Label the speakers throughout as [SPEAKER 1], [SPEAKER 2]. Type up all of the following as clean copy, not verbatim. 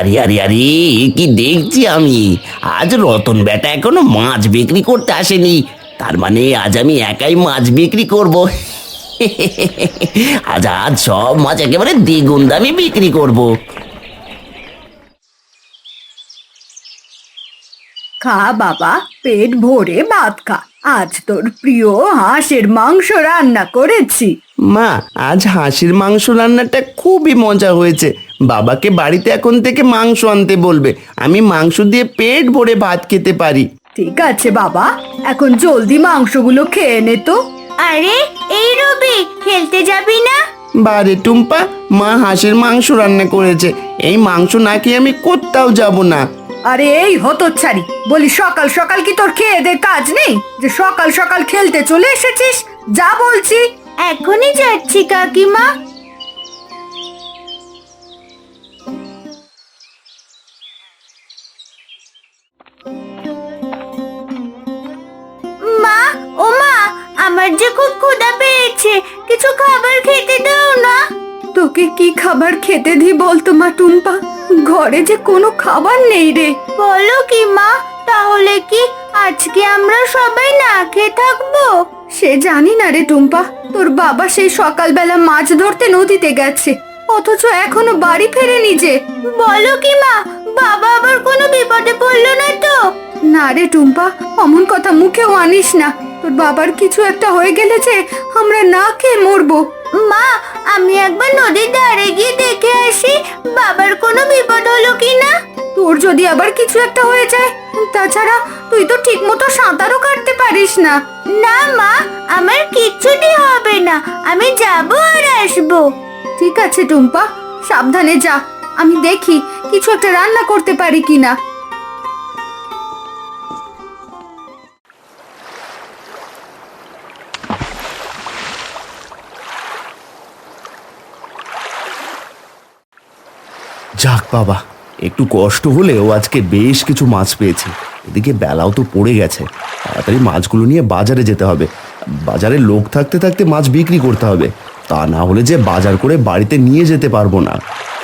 [SPEAKER 1] আরে আরে আরে, এ কি দেখছি আমি! আজ রতন বেটা এখনো মাছ বিক্রি করতে আসেনি। তার মানে আজ আমি একাই মাছ বিক্রি করব। আজ আজ সব মাছ একেবারে দ্বিগুণ দামে বিক্রি করব।
[SPEAKER 2] খা বাবা, পেট ভরে ভাত খা। আজ তোর প্রিয় হাঁসের মাংস রান্না করেছি।
[SPEAKER 3] মা, আজ হাঁসের মাংস রান্নাটা খুবই মজা হয়েছে। বাবাকে বাড়িতে এখন থেকে মাংস আনতে বলবে, আমি মাংস দিয়ে পেট ভরে ভাত খেতে পারি।
[SPEAKER 2] ঠিক আছে বাবা, এখন জলদি মাংসগুলো খেয়ে নে তো।
[SPEAKER 4] আরে এই রবি, খেলতে যাবি না?
[SPEAKER 3] বারে টুম্পা, মা হাঁসের মাংস রান্না করেছে, এই মাংস না খেয়ে আমি কোথাও যাব না।
[SPEAKER 2] আরে এই হতচ্ছাড়ি, বলি সকাল সকাল কি তোর খেয়ে দে কাজ নেই যে সকাল সকাল খেলতে চলে এসেছিস? যা বলছি।
[SPEAKER 4] এখনই যাচ্ছি কাকিমা। মা, ও মা, আমার যে খুব ক্ষুধা পেয়েছে, কিছু খাবার খেতে দাও না।
[SPEAKER 2] তোকে কি খাবার খেতে দি বলতো মা টুম্পা? ঘরে যে কোনো খাবার নেই রে।
[SPEAKER 4] বলো কি মা, তাহলে কি আজকে আমরা সবাই না খেয়ে থাকবো?
[SPEAKER 2] সে জানি না রে টুম্পা, তোর বাবা সেই সকালবেলা মাছ ধরতে নদীতে গেছে, অথচ এখনো বাড়ি ফেরেনি যে।
[SPEAKER 4] বলো কি মা, বাবা আবার কোনো বিপদে পড়লো না তো?
[SPEAKER 2] না রে টুম্পা, অমন কথা মুখেও আনিস না। তোর বাবার কিছু একটা হয়ে গেলে যে আমরা না খেয়ে মরবো।
[SPEAKER 4] মা, আমি একবার নদীর ধারে গিয়ে দেখে আসি বাবার কোনো বিপদ হলো কিনা।
[SPEAKER 2] তোর যদি আবার কিছু একটা হয়ে যায়, তাছাড়া তুই তো ঠিক মতো সাঁতারও কাটতে পারিস না।
[SPEAKER 4] না মা, আমার কিচ্ছুটি হবে না, আমি যাবো আর আসবো।
[SPEAKER 2] ঠিক আছে টুম্পা, সাবধানে যা। আমি দেখি কিছু একটা রান্না করতে পারি কিনা।
[SPEAKER 3] যাক বাবা, একটু কষ্ট হলেও আজকে বেশ কিছু মাছ পেয়েছি। এদিকে বেলাও তো পড়ে গেছে, তাড়াতাড়ি মাছগুলো নিয়ে বাজারে যেতে হবে। বাজারে লোক থাকতে থাকতে মাছ বিক্রি করতে হবে, তা না হলে যে বাজার করে বাড়িতে নিয়ে যেতে পারবো না।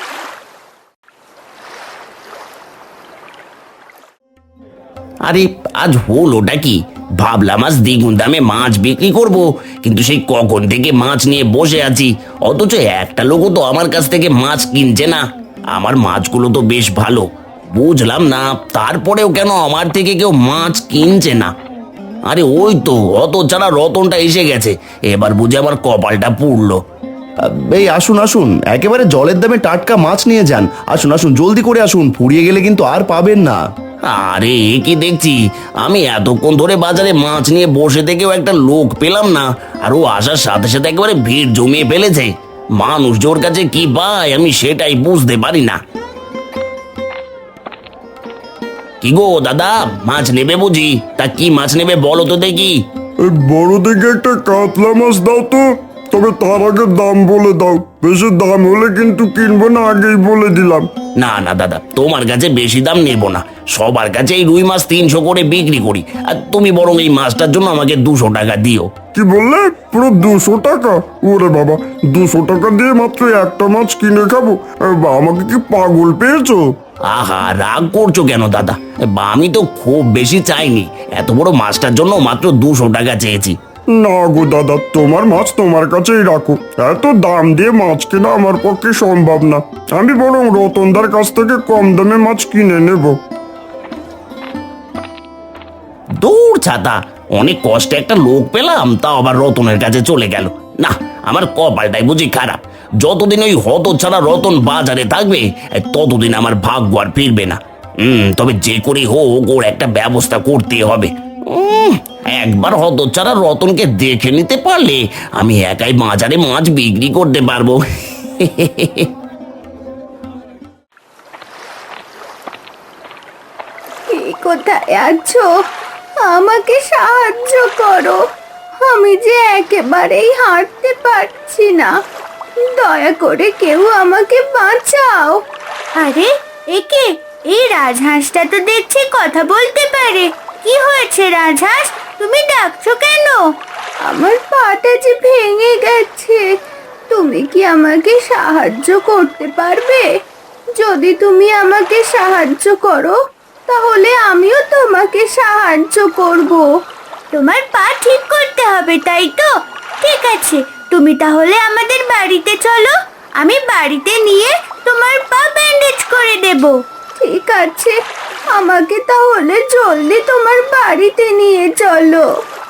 [SPEAKER 1] আরে আজ হলোটা কি! ভাবলাম আজ দ্বিগুণ দামে মাছ বিক্রি করব, কিন্তু সেই কখন থেকে মাছ নিয়ে বসে আছি, অথচ একটা লোকও তো আমার কাছ থেকে মাছ কিনছে না। আমার মাছগুলো তো বেশ ভালো, বুঝলাম না তারপরেও কেন আমার থেকে কেউ মাছ কিনছে না। আরে ওই তো অত ছাড়া রতনটা এসে গেছে, এবার বুঝে আমার কপালটা পুড়লো।
[SPEAKER 3] এই আসুন আসুন, একেবারে জলের দামে টাটকা মাছ নিয়ে যান। আসুন আসুন, জলদি করে আসুন, ফুরিয়ে গেলে কিন্তু আর পাবেন না।
[SPEAKER 1] আরে এ কি দেখছি, আমি এতক্ষণ ধরে বাজারে মাছ নিয়ে বসে থেকেও একটা লোক পেলাম না, আর ও আসার সাথে সাথে একেবারে ভিড় জমিয়ে ফেলেছে। মানুষ জোর কাছে কি পায় আমি সেটাই বুঝতে পারি না। কি গো দাদা, মাছ নেবে বুঝি? তা কি মাছ নেবে বলো তো দেখি।
[SPEAKER 5] এই বড় দেখে একটা কাতলা মাছ দাও তো, তবে তার আগে দাম বলে দাও। বেশি দাম হলে কিন্তু কিনবো না, আগেই বলে দিলাম।
[SPEAKER 1] না না দাদা, তোমার কাছে বেশি দাম নেব না, সবার কাছে এই রুই মাছ 300 করে বিক্রি করি, আর তুমি বরং এই মাছটার জন্য আমাকে 200 টাকা দিও।
[SPEAKER 5] কি বললে? পুরো 200 টাকা? ওরে বাবা, 200 টাকা দিয়ে মাত্র একটা মাছ কিনে খাবো? আমাকে কি পাগল পেয়েছো?
[SPEAKER 1] আহা, রাগ করছো কেন দাদা? বা আমি তো খুব বেশি চাইনি, এত বড় মাছটার জন্য মাত্র 200 টাকা চেয়েছি।
[SPEAKER 5] না গো দাদা, তোমার মাছ তোমার কাছেই রাখো। এত দাম দিয়ে মাছ কেনা আমার পক্ষে সম্ভব না। আমি বরং রতনদার কাছ থেকে কম দামে মাছ কিনে নেব।
[SPEAKER 1] দূর ছাতা, অনেক কষ্টে একটা লোক পেলাম, তাও আবার রতনের কাছে চলে গেল। না, আমার কপালটাই বুঝি খারাপ। যতদিন ওই হতচ্ছাড়া রতন বাজারে থাকবে, ততদিন আমার ভাগ্য আর ফিরবে না। তবে যে করে হোক ওর একটা ব্যবস্থা করতে হবে। একবার হতচ্ছাড়া রতনকে দেখে নিতে পারলে আমি একাই বাজারে মাছ বিক্রি করতে পারবো।
[SPEAKER 2] কি কোথায় আছো? আমাকে সাহায্য করো, আমি যে একেবারেই হাঁটতে পারছি না। দয়া করে কেউ আমাকে বাঁচাও।
[SPEAKER 4] আরে একে, এই রাজহাঁসটা তো দেখছি কথা বলতে পারে। কি হয়েছে রাজহাঁস, তুমি ডাকছো কেন?
[SPEAKER 2] আমার পাটা যে ভেঙে গেছে, তুমি কি আমাকে সাহায্য করতে পারবে?
[SPEAKER 4] যদি তুমি আমাকে সাহায্য করো তাহলে আমিও তোমাকে সাহায্য করব। তোমার পা ঠিক করতে হবে, তাই তো? ঠিক আছে, তুমি তাহলে আমাদের বাড়িতে চলো, আমি বাড়িতে নিয়ে তোমার পা ব্যান্ডেজ করে দেব। ঠিক আছে, আমাকে তাহলে জলদি তোমার বাড়িতে নিয়ে চলো।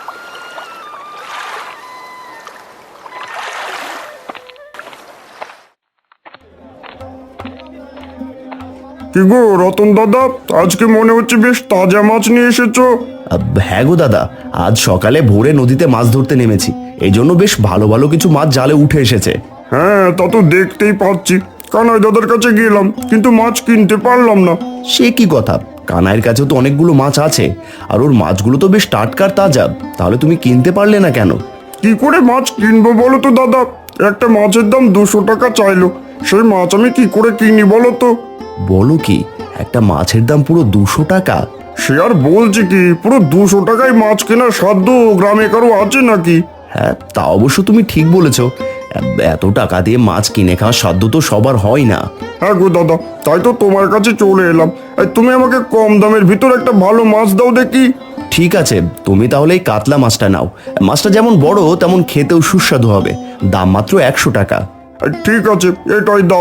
[SPEAKER 5] কি গো রতন দাদা, আজকে মনে হচ্ছে বেশ তাজা মাছ নিয়ে এসেছো।
[SPEAKER 3] হ্যাঁ গো দাদা, আজ সকালে ভোরে নদীতে মাছ ধরতে নেমেছি, এই জন্য বেশ ভালো ভালো কিছু মাছ জালে উঠে এসেছে।
[SPEAKER 5] হ্যাঁ, তা তো দেখতেই পাচ্ছি। কানাই দাদার কাছে গেলাম কিন্তু মাছ কিনতে পারলাম না।
[SPEAKER 3] সে কি কথা, কানাইয়ের কাছেও তো অনেকগুলো মাছ আছে, আর ওর মাছগুলো তো বেশ টাটকার তাজা, তাহলে তুমি কিনতে পারলে না কেন?
[SPEAKER 5] কি করে মাছ কিনবো বলো তো দাদা? একটা মাছের দাম 200 টাকা চাইলো, সেই মাছ আমি কি করে কিনি বলো তো?
[SPEAKER 3] বলো কি, একটা মাছের দাম পুরো 200 টাকা?
[SPEAKER 5] সে আর বলছি কি, পুরো 200 টাকায় মাছ কেনার সাধ্য গ্রামে কারো আছে নাকি?
[SPEAKER 3] হ্যাঁ, তা অবশ্য তুমি ঠিক বলেছ, এত টাকা দিয়ে মাছ কিনে খাওয়ার সাধ্য তো সবার হয় না।
[SPEAKER 5] হ্যাঁ গো দাদা, তাই তো তোমার কাছে চলে এলাম। এই তুমি আমাকে কম দামের ভিতর একটা ভালো মাছ দাও দেখি।
[SPEAKER 3] ঠিক আছে, তুমি তাহলে এই কাতলা মাছটা নাও। মাছটা যেমন বড় তেমন খেতেও সুস্বাদু হবে, দাম মাত্র 100 টাকা।
[SPEAKER 5] ঠিক আছে, এটাই দাও।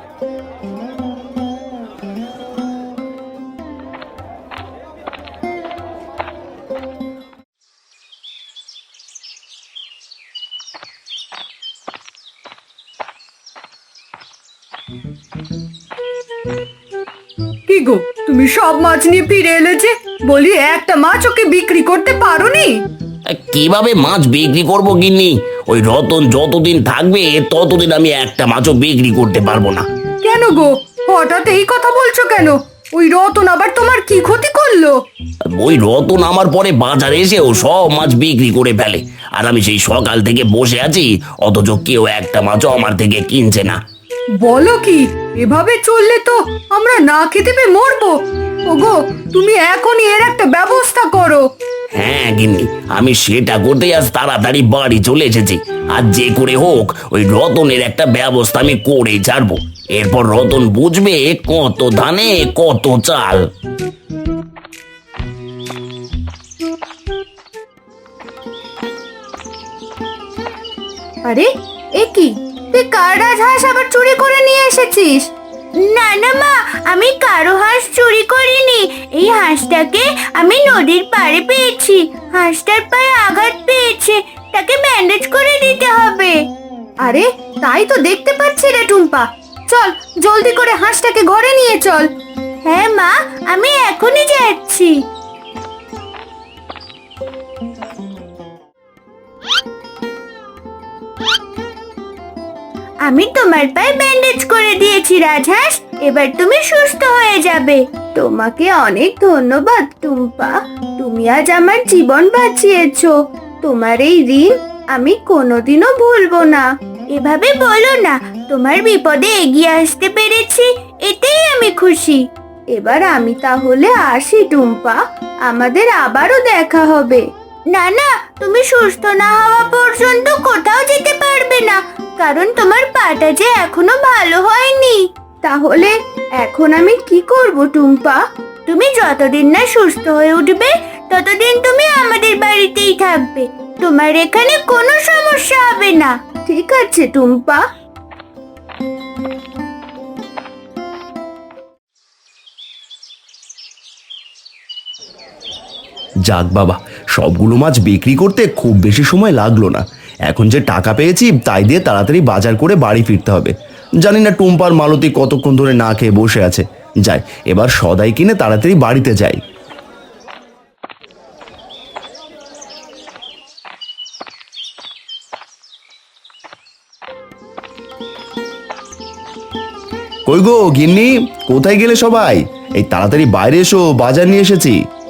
[SPEAKER 2] কি গো, তুমি সব মাছ নিয়ে ফিরে এলে যে? বলি একটা মাছ ওকে বিক্রি করতে পারোনি?
[SPEAKER 1] কিভাবে মাছ বিক্রি করবো গিন্নি? ওই রতন যতদিন থাকবে ততদিন আমি একটা মাছও বিক্রি করতে পারবো না।
[SPEAKER 2] কেন গো, হঠাৎ এই কথা বলছো কেন? ওই রতন আবার তোমার কি ক্ষতি করলো?
[SPEAKER 1] ওই রতন আমার পরে বাজারে এসেও সব মাছ বিক্রি করে ফেলে, আর আমি সেই সকাল থেকে বসে আছি, অথচ কেউ একটা মাছও আমার থেকে কিনছে না।
[SPEAKER 2] বলো কি, এভাবে চললে তো আমরা না খেতে পেয়ে মরবো। ওগো, তুমি এখনই এর একটা ব্যবস্থা করো।
[SPEAKER 1] হ্যাঁ গিন্নি, আমি সেটা করতে আজ তাড়াতাড়ি বাড়ি চলে এসেছি। আর যে করে হোক ওই রতনের একটা ব্যবস্থা আমি করেই ছাড়বো। এরপর রতন বুঝবে কত ধানে কত চাল।
[SPEAKER 4] আরে, এ কি, তুই কার রাজহাঁস আবার চুরি করে নিয়ে এসেছিস? না না মা, আমি কারো হাঁস চুরি করিনি। এই হাঁসটাকে আমি নদীর পাড়ে পেয়েছি। হাঁসটার পায়ে আঘাত পেয়েছে, তাকে ব্যান্ডেজ করে দিতে হবে।
[SPEAKER 2] আরে, তাই তো দেখতে পাচ্ছি রে টুম্পা। চল, জলদি করে হাঁসটাকে ঘরে নিয়ে চল।
[SPEAKER 4] হ্যাঁ মা, আমি এখনই যাচ্ছি। আমি তোমার পায়ে ব্যান্ডেজ করে দিয়েছি রাজহাঁস, এবার তুমি সুস্থ হয়ে যাবে। তোমাকে অনেক ধন্যবাদ টুম্পা, তুমি আজ আমার জীবন বাঁচিয়েছো। তোমার এই ঋণ আমি কোনোদিনও ভুলবো না। এভাবে বলো না, তোমার বিপদে এগিয়ে আসতে পেরেছি, এতেই আমি খুশি। এবার আমি তাহলে আসি টুম্পা, আমাদের আবারও দেখা হবে। না না, তুমি সুস্থ না হওয়া পর্যন্ত কোথাও যেতে পারবে না, কারণ তোমার পাটা যে এখনো ভালো হয়নি। তাহলে এখন আমি কি করব টুম্পা? তুমি যতদিন না সুস্থ হয়ে উঠবে ততদিন তুমি আমাদের বাড়িতেই থাকবে, তোমার এখানে কোনো সমস্যা হবে না। ঠিক আছে টুম্পা।
[SPEAKER 3] যাক বাবা, সবগুলো মাছ বিক্রি করতে খুব বেশি সময় লাগলো না। এখন যে টাকা পেয়েছি তাই দিয়ে তাড়াতাড়ি বাজার করে বাড়ি ফিরতে হবে। জানি না টুম্পার মালতী কতক্ষণ ধরে না খেয়ে বসে আছে। যাই, এবার সদাই কিনে তাড়াতাড়ি বাড়িতে যাই। কই গো গিন্নি, কোথায় গেলে সবাই? এই তাড়াতাড়ি বাইরে এসো, বাজার নিয়ে এসেছি।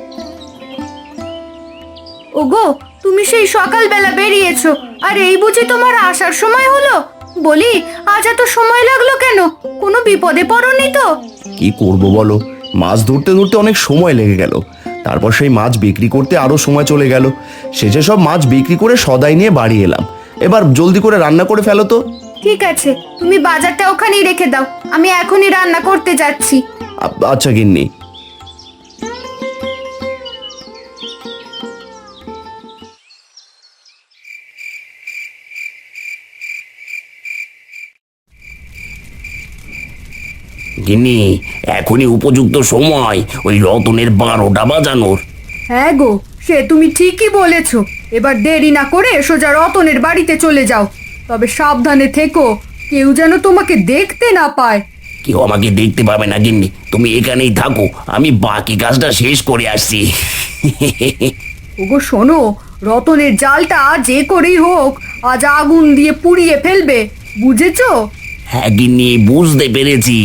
[SPEAKER 2] ওগো, তুমি সেই সকালবেলা বেরিয়েছো, আর এই বুঝি তোমার আসার সময় হলো? বলি, আজ এত সময় লাগলো কেন? কোনো বিপদে পড়োনি তো?
[SPEAKER 3] কি করব বলো, মাছ ধরতে ধরতে অনেক সময় লেগে গেল। তারপর সেই মাছ বিক্রি করতে আরো সময় চলে গেল। শেষে সব মাছ বিক্রি করে সদাই নিয়ে বাড়ি এলাম। এবার জলদি করে রান্না করে ফেলো তো।
[SPEAKER 2] ঠিক আছে, তুমি বাজারটা ওখানেই রেখে দাও, আমি এখনই রান্না করতে যাচ্ছি।
[SPEAKER 3] আচ্ছা গিন্নি।
[SPEAKER 1] গিন্নি, এখনই উপযুক্ত সময় ওই রতনের 12টা বাজানোর।
[SPEAKER 2] হ্যাঁ গো, সে তুমি ঠিকই বলেছো। এবার দেরি না করে সোজা রতনের বাড়িতে চলে যাও, তবে সাবধানে থেকো, কেউ যেন তোমাকে দেখতে না পায়।
[SPEAKER 1] কেউ আমাকে দেখতে পাবে না গিন্নি, তুমি এখানেই থাকো, আমি বাকি কাজটা শেষ করে আসছি।
[SPEAKER 2] ওগো শোনো, রতনের জালটা যে করেই হোক আজ আগুন দিয়ে পুড়িয়ে ফেলবে, বুঝেছো?
[SPEAKER 1] হ্যাঁ গিন্নি, বুঝতে পেরেছি।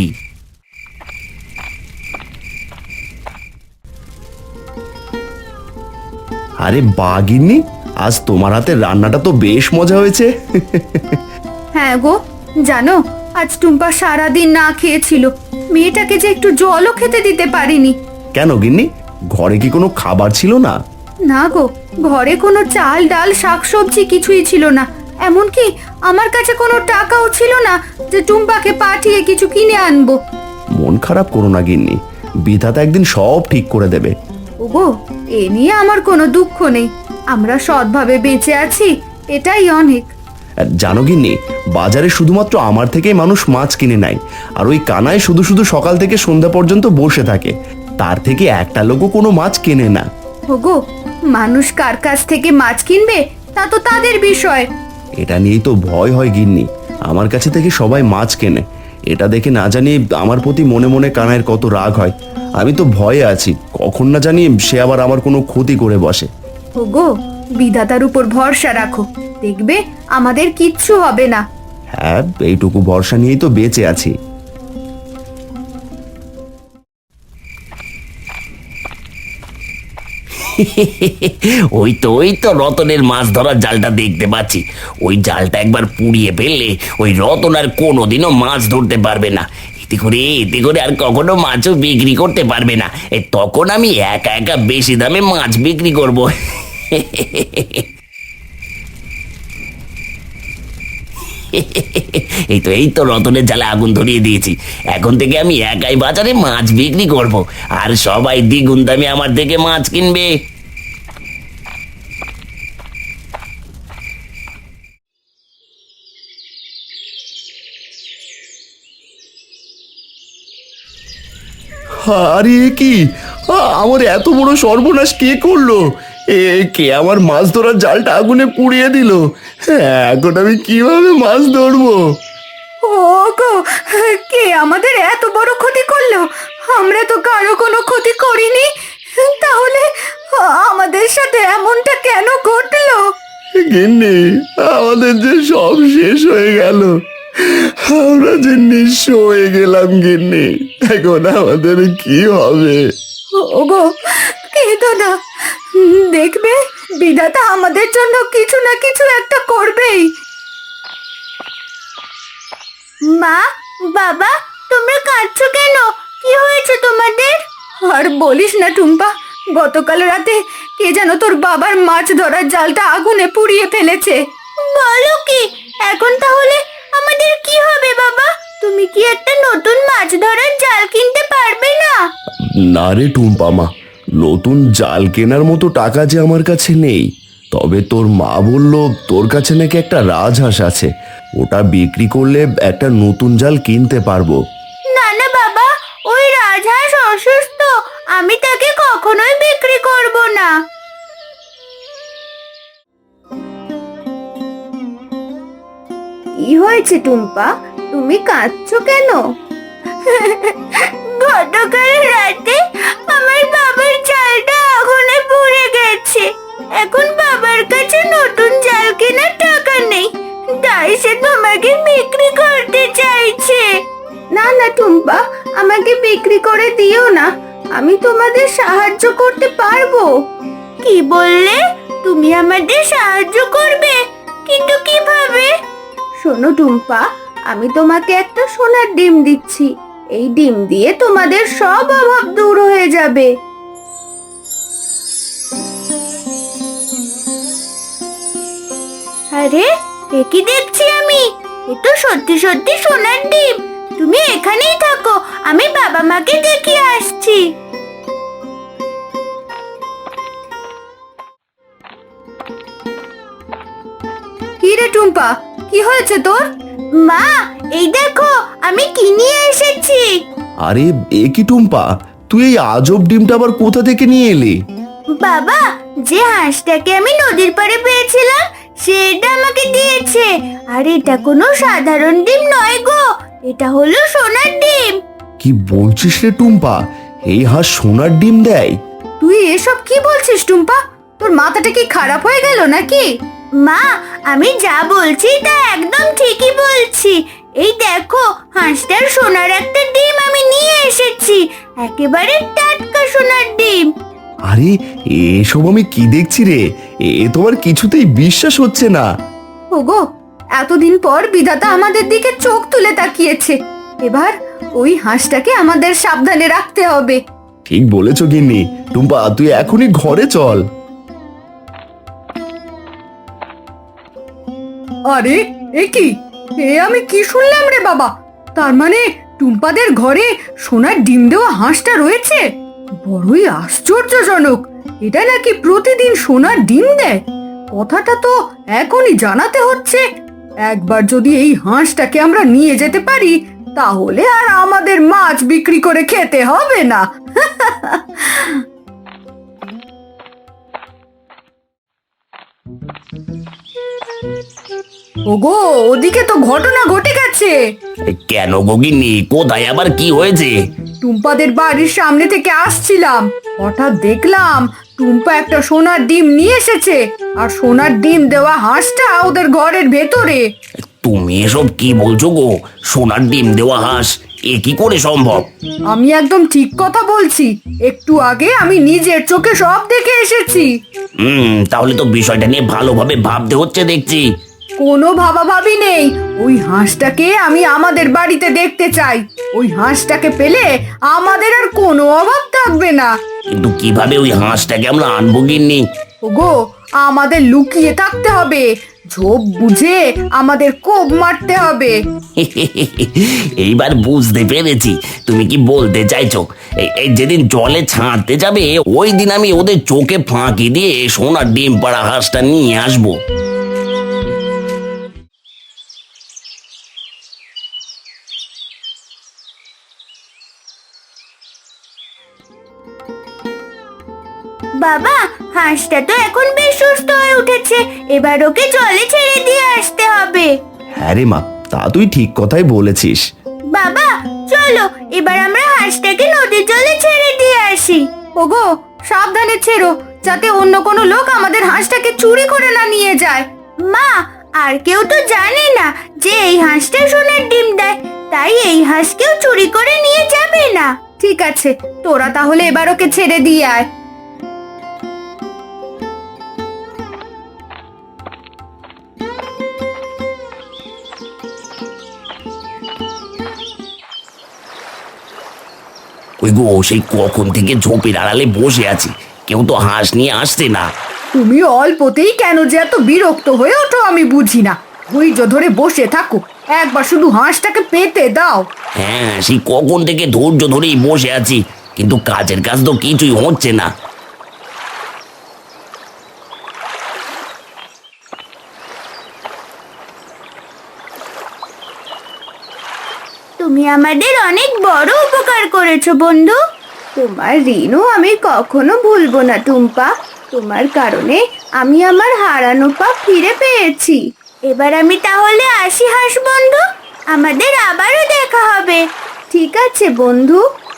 [SPEAKER 3] আরে বা গিন্নি, আজ তোমার হাতের রান্নাটা তো বেশ মজা হয়েছে।
[SPEAKER 2] হ্যাঁ গো, জানো আজ টুম্পা সারাদিন না খেয়েছিল, মেয়েটাকে যে একটু জলও খেতে দিতে পারিনি।
[SPEAKER 3] কেন গিন্নি, ঘরে কি কোনো খাবার ছিল না?
[SPEAKER 2] না গো, ঘরে কোনো চাল ডাল শাকসবজি কিছুই ছিল না, এমনকি আমার কাছে কোনো টাকাও ছিল না যে টুম্পাকে পাঠিয়ে কিছু কিনে আনবো।
[SPEAKER 3] মন খারাপ করো না গিন্নি, বিধাতা একদিন সব ঠিক করে দেবে।
[SPEAKER 2] ওগো, এ নিয়ে আমার কোনো দুঃখ নেই, আমরা সৎভাবে বেঁচে আছি, এটাই অনেক।
[SPEAKER 3] আর জানো গিন্নি, বাজারে শুধুমাত্র আমার থেকেই মানুষ মাছ কিনে নেয়, আর ওই কানায় শুধু শুধু সকাল থেকে সন্ধ্যা পর্যন্ত বসে থাকে, তার থেকে একটা লোকও কোনো মাছ কেনে না।
[SPEAKER 2] ওগো, মানুষ কার কাছ থেকে মাছ কিনবে তা তো তাদের বিষয়।
[SPEAKER 3] এটা নিয়েই তো ভয় হয় গিন্নি, আমার কাছে থেকে সবাই মাছ কেনে, এটা দেখে না জানি আমার প্রতি মনে মনে কানাইয়ের কত রাগ হয়। আমি তো ভয়ে আছি, কখন না জানি সে আবার আমার কোনো ক্ষতি করে বসে।
[SPEAKER 2] ওগো, বিধাতার উপর ভরসা রাখো, দেখবে আমাদের কিচ্ছু হবে না।
[SPEAKER 3] হ্যাঁ, এইটুকু ভরসা নিয়েই তো বেঁচে আছি।
[SPEAKER 1] ওই তো রতনের মাছ ধরার জালটা দেখতে পাচ্ছি। ওই জালটা একবার পুড়িয়ে ফেললে ওই রতন আর কোনোদিনও মাছ ধরতে পারবে না। এতে করে আর কখনো মাছও বিক্রি করতে পারবে না। তখন আমি একা একা বেশি দামে মাছ বিক্রি করব। এই তো রতনের জালে আগুন ধরিয়ে দিয়েছি। এখন থেকে আমি একাই বাজারে মাছ বিক্রি করব, আর সবাই দ্বিগুণ দামে আমার থেকে মাছ কিনবে।
[SPEAKER 3] আরে এ কি, আমার এত বড় সর্বনাশ কে করলো? কে আমার মাছ ধরার জালটা আগুনে পুড়িয়ে দিল? এখন আমি কিভাবে মাছ ধরবো?
[SPEAKER 2] ওগো, কে আমাদের এত বড় ক্ষতি করলো? আমরা তো কারো কোনো ক্ষতি করিনি, তাহলে আমাদের সাথে এমনটা কেন ঘটলো?
[SPEAKER 3] গিন্নি, আমাদের যে সব শেষ হয়ে গেল, আমরা যে নিঃস্ব হয়ে গেলাম গিন্নি, এখন আমাদের কি হবে?
[SPEAKER 2] ওগো, কেঁদো না, দেখবে বিধাতা আমাদের জন্য কিছু না কিছু একটা করবেই।
[SPEAKER 4] মা, বাবা, তোমরা কাঁদছো কেন? কি হয়েছে তোমাদের?
[SPEAKER 2] আর বলিস না টুম্পা, গতকাল রাতে কে যেন তোর বাবার মাছ ধরার জালটা আগুনে পুড়িয়ে ফেলেছে।
[SPEAKER 4] বলো কি? এখন তাহলে আমাদের কি হবে বাবা? তুমি কি একটা নতুন মাছ ধরার জাল কিনতে পারবে না?
[SPEAKER 3] না রে টুম্পা মা, নতুন জাল কেনার মতো টাকা যে আমার কাছে নেই। তবে তোর মা বলল তোর কাছে নাকি একটা রাজহাঁস আছে, ওটা বিক্রি করলে একটা নতুন জাল কিনতে পারবো।
[SPEAKER 4] না না বাবা, ওই রাজহাঁস অসুস্থ, আমি তাকে কখনোই বিক্রি করব না। কি হয়েছে টুম্পা, তুমি কাঁদছো কেন? গতকাল রাতে আমার বাবার জালটা আগুনে পুড়ে গেছে, এখন বাবার কাছে নতুন জাল কেনার টাকা নেই, তাই সে তোমাকে বিক্রি করতে চাইছে। না না টুম্পা, আমাকে বিক্রি করে দিও না, আমি তোমাদের সাহায্য করতে পারবো। কি বললে? তুমি আমাদের সাহায্য করবে? কিন্তু কিভাবে? শোনো টুম্পা, আমি তোমাকে একটা সোনার ডিম দিচ্ছি, এই ডিম দিয়ে তোমাদের সব অভাব দূর হয়ে যাবে। আরে, এ কি দেখছি আমি? এ তো সত্যি সত্যি সোনার ডিম। তুমি এখানেই থাকো, আমি বাবা মাকে দেখিয়ে আসছি।
[SPEAKER 2] কি রে টুম্পা, কি হয়েছে তোর?
[SPEAKER 4] মা, এই দেখো আমি কি নিয়ে এসেছি।
[SPEAKER 3] আরে এ কি টুম্পা, তুই এই আজব ডিমটা আবার কোথা থেকে নিয়ে এলি?
[SPEAKER 4] বাবা, যে হাঁসটাকে আমি নদীর পাড়ে পেয়েছিলাম সেটা আমাকে দিয়েছে। আর এটা কোনো সাধারণ ডিম নয় গো, এটা হলো সোনার ডিম।
[SPEAKER 3] কি বলছিস রে টুম্পা, এই হাঁস সোনার ডিম দেয়?
[SPEAKER 2] তুই এসব কি বলছিস টুম্পা? তোর মাথাটা কি খারাপ হয়ে গেল নাকি?
[SPEAKER 4] মা, আমি যা বলছি তা একদম ঠিকই বলছি। এই দেখো, হাঁসটার সোনার একটা ডিম আমি নিয়ে এসেছি, একেবারে টাটকা সোনার ডিম।
[SPEAKER 3] আরে এসব আমি কি দেখছি রে, এ তোমার কিছুতেই বিশ্বাস হচ্ছে না।
[SPEAKER 2] ওগো, এতদিন পর বিধাতা আমাদের দিকে চোখ তুলে তাকিয়েছে। এবার ওই হাঁসটাকে আমাদের সাবধানে রাখতে হবে।
[SPEAKER 3] ঠিক বলেছো গিন্নি। টুম্পা, তুই এখনই ঘরে চল।
[SPEAKER 2] আরে এ কি, আমি কি শুনলাম রে বাবা? তার মানে টুম্পাদের ঘরে সোনার ডিম দেওয়া হাঁসটা রয়েছে? বড়ই আশ্চর্যজনক। এটা নাকি প্রতিদিন সোনার ডিম দেয়? কথাটা তো এখনই জানাতে হচ্ছে। একবার যদি এই হাঁসটাকে আমরা নিয়ে যেতে পারি, তাহলে আর আমাদের মাছ বিক্রি করে খেতে হবে না। ওগো, ওদিকে তো ঘটনা ঘটে গেছে।
[SPEAKER 1] কেন গগিনি, কোথায় আবার কি হয়েছে?
[SPEAKER 2] টুম্পাদের বাড়ির সামনে থেকে আসছিলাম, হঠাৎ দেখলাম টুম্পা একটা সোনার ডিম নিয়ে এসেছে, আর সোনার ডিম দেওয়া হাঁসটা ওদের ঘরের ভেতরে।
[SPEAKER 1] তুমি এসব কি বলছো গো? সোনার ডিম দেওয়া হাঁস, এ কি করে সম্ভব?
[SPEAKER 2] আমি একদম ঠিক কথা বলছি, একটু আগে আমি নিজের চোখে সব দেখে এসেছি।
[SPEAKER 1] তাহলে তো বিষয়টা নিয়ে ভালোভাবে ভাবতে হচ্ছে দেখছি।
[SPEAKER 2] কোনো ভাবাভাবি নেই, ওই হাঁসটাকে আমি আমাদের বাড়িতে দেখতে চাই। ওই হাঁসটাকে পেলে আমাদের আর কোনো অভাব থাকবে না।
[SPEAKER 1] কিন্তু কিভাবে ওই হাঁসটাকে আমরা আনবো গিন্নি?
[SPEAKER 2] ওগো, আমাদের লুকিয়ে থাকতে হবে, ঝোপ বুঝে আমাদের কোপ মারতে হবে।
[SPEAKER 1] এইবার বুঝতে পেরেছি তুমি কি বলতে চাইছো। এই যেদিন জলে ছাড়তে যাবে, ওই দিন আমি ওদের চোখে ফাঁকি দিয়ে সোনার ডিম পাড়া হাঁসটা নিয়ে আসবো।
[SPEAKER 4] বাবা, হাঁসটা তো এখন বেশ সুস্থ হয়ে উঠেছে, এবার ওকে জলে ছেড়ে দিয়ে আসতে হবে।
[SPEAKER 3] হ্যাঁ রে মা, তা তুই ঠিক কথাই বলেছিস।
[SPEAKER 4] বাবা, চলো এবার আমরা হাঁসটাকে নদীর জলে ছেড়ে দিয়ে আসি।
[SPEAKER 2] ওগো, সাবধানে ছেড়ো, যাতে অন্য কোনো লোক আমাদের হাঁসটাকে চুরি করে না নিয়ে যায়।
[SPEAKER 4] মা, আর কেউ তো জানে না যে এই হাঁসটা সোনার ডিম দেয়, তাই এই হাঁস কেউ চুরি করে নিয়ে যাবে না।
[SPEAKER 2] ঠিক আছে, তোরা তাহলে এবার ওকে ছেড়ে দিয়ে আয়।
[SPEAKER 1] ওই গো, সেই কখন থেকে ঝোপের আড়ালে বসে আছি, কেউ তো হাঁস নিয়ে আসছে না।
[SPEAKER 2] তুমি অল্পতেই কেন যে এত বিরক্ত হয়ে ওঠো আমি বুঝি না। ধৈর্য ধরে বসে থাকো, একবার শুধু হাঁসটাকে পেতে দাও।
[SPEAKER 1] হ্যাঁ, সেই কখন থেকে ধৈর্য ধরেই বসে আছি, কিন্তু কাজের কাজ তো কিছুই হচ্ছে না।
[SPEAKER 4] তুমি আমাদের অনেক বড় উপকার করেছো বন্ধু। তোমার ঋণও আমি কখনো ভুলবো না টুম্পা। তোমার কারণে আমি আমার হারানো পা ফিরে পেয়েছি। এবার আমি তাহলে আসি হাঁস বন্ধু, আমাদের আবারও দেখা হবে। ঠিক আছে বন্ধু।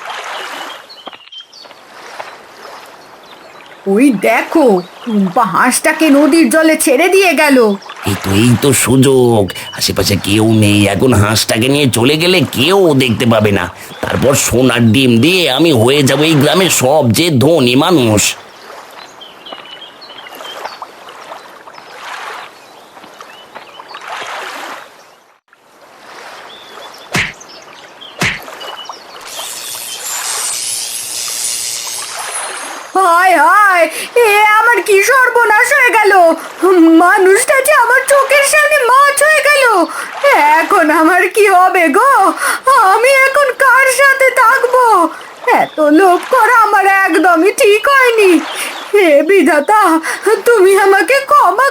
[SPEAKER 2] ওই দেখো, টুম্পা হাঁসটাকে নদীর জলে ছেড়ে দিয়ে গেল।
[SPEAKER 1] এই তো সুযোগ, আশেপাশে কেউ নেই, এখন হাঁসটাকে নিয়ে চলে গেলে কেউ দেখতে পাবে না। তারপর সোনার ডিম দিয়ে আমি হয়ে যাব এই গ্রামের সবচেয়ে ধনী মানুষ।
[SPEAKER 2] হায় হায়, এ আমার কি সর্বনাশ হয়ে গেল! মানুষটা যে আমার চোখের সামনে মাছ হয়ে গেল। আমার কি হবে গো? আমি এখন কার সাথে থাকবো? এত লোভ করা আমার একদমই ঠিক হয়নি। হে বিধাতা, তুমি আমাকে ক্ষমা